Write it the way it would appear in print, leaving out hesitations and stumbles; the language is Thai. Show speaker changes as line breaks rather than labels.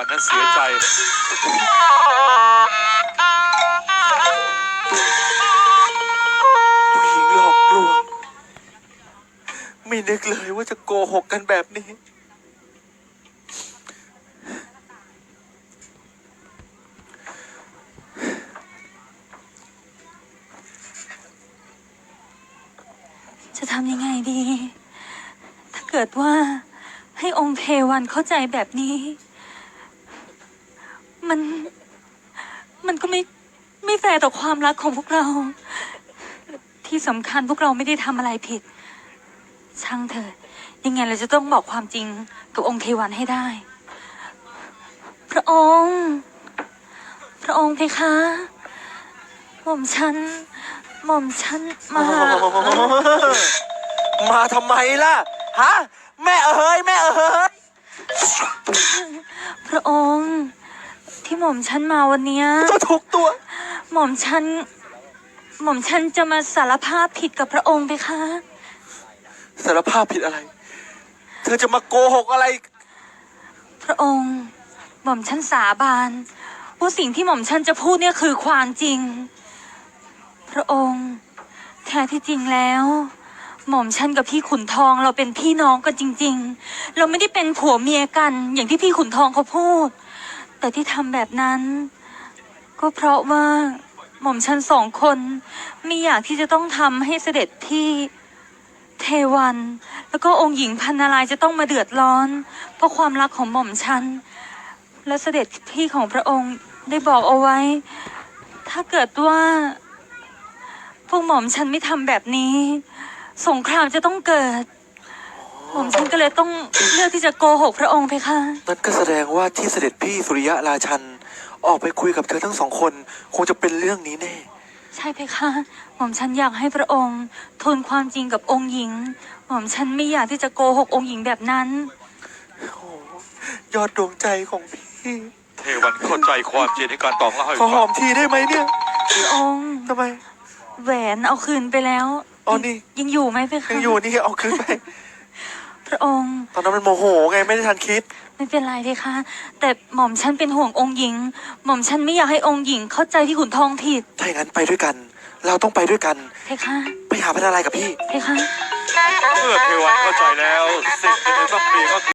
นั้นเสียใจ
ผู้หญิงหลอกลวงไม่นึกเลยว่าจะโกหกกันแบบนี้
จะทำยังไงดีถ้าเกิดว่าให้องค์เทวันเข้าใจแบบนี้ มันก็ไม่แฟร์ต่อความรักของพวกเราที่สำคัญพวกเราไม่ได้ทำอะไรผิดช่างเถิดยังไงเราจะต้องบอกความจริงกับองค์เทวันให้ได้ พระองค์เพคะหม่อมฉัน
มาทำไมล่ะฮะแม่เอ๋ย
พระองค์ที่หม่อมฉันมาวันนี้
จะถูกตัว
หม่อมฉันจะมาสารภาพผิดกับพระองค์เพคะ
สารภาพผิดอะไรเธอจะมาโกหกอะไร
พระองค์หม่อมฉันสาบานว่าสิ่งที่หม่อมฉันจะพูดเนี่ยคือความจริงพระองค์แท้ที่จริงแล้วหม่อมฉันกับพี่ขุนทองเราเป็นพี่น้องกันจริงๆเราไม่ได้เป็นผัวเมียกันอย่างที่พี่ขุนทองเขาพูดแต่ที่ทำแบบนั้นก็เพราะว่าหม่อมฉันสองคนไม่อยากที่จะต้องทำให้เสด็จพี่เทวันแล้วก็องค์หญิงพันนารายณ์จะต้องมาเดือดร้อนเพราะความรักของหม่อมฉันและเสด็จพี่ของพระองค์ได้บอกเอาไว้ถ้าเกิดว่าพวกหม่อมฉันไม่ทำแบบนี้สงครามจะต้องเกิดหม่อมฉันก็เลยต้องเลือกที่จะโกหกพระองค์เพคะ
นั่นก็แสดงว่าที่เสด็จพี่สุริยะราชันออกไปคุยกับเธอทั้งสองคนคงจะเป็นเรื่องนี้แน่
ใช่เพคะหม่อมฉันอยากให้พระองค์ทูลความจริงกับองค์หญิงหม่อมฉันไม่อยากที่จะโกหกองค์หญิงแบบนั้น
โอ้ยอดดวงใจของพี่
เทวันเข้าใจความจริงในการตองเล่าให้
ขอหอ
ฟั
มทีได้ไหมเนี่ย
พระองค์
ทำไม
แหวนเอาคืนไปแล้ว
อ๋อนี่
ยังอยู่ไหมเพคะ
ยังอยู่นี่เอาคืนไป
พระองค์
ตอนนั้นมันโมโหไงไม่ได้ทันคิด
ไม่เป็นไรเพคะแต่หม่อมฉันเป็นห่วงองค์หญิงหม่อมฉันไม่อยากให้องค์หญิงเข้าใจที่ขุนทองผิด
ถ้าอย่างนั้นไปด้วยกันเราต้องไปด้วยกัน
เพคะ
ไปหาพันอะไรกับพี่
เพคะ
เมื่อเทวันเข้าใจแล้วสิ่งที่มันต้องมีก็คือ